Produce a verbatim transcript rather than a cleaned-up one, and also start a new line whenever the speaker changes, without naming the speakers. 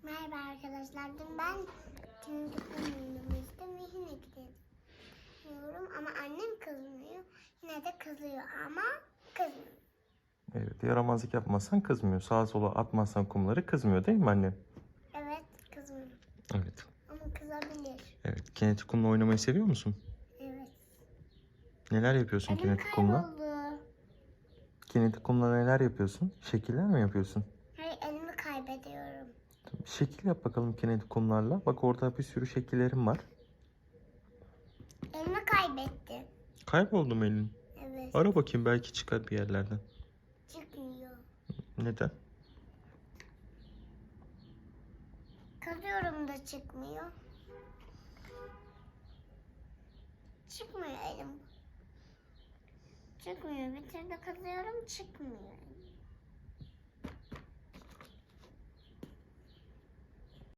Merhaba arkadaşlar. Dün ben çocukluğum oynamıştım ve yine gidiyorum ama annem kızmıyor. Yine de kızıyor ama kızmıyor.
Evet, yaramazlık yapmazsan kızmıyor. Sağa sola atmazsan kumları kızmıyor değil mi annem?
Evet, kızmıyor.
Evet.
Ama kızabilir.
Evet. Kinetik kumla oynamayı seviyor musun?
Evet.
Neler yapıyorsun
Elim
kinetik kumla?
kayboldu.
Kinetik kumla neler yapıyorsun? Şekiller mi yapıyorsun?
Hayır, elimi kaybediyorum.
Bir şekil yap bakalım kinetik kumlarla. Bak orada bir sürü şekillerim var.
Elimi kaybettim.
Kayboldu mu elin?
Evet.
Ara bakayım belki çıkar bir yerlerden.
Çıkmıyor.
Neden?
Kazıyorum da çıkmıyor. Çıkmıyor elim. Çıkmıyor. Bir türlü kazıyorum, çıkmıyor.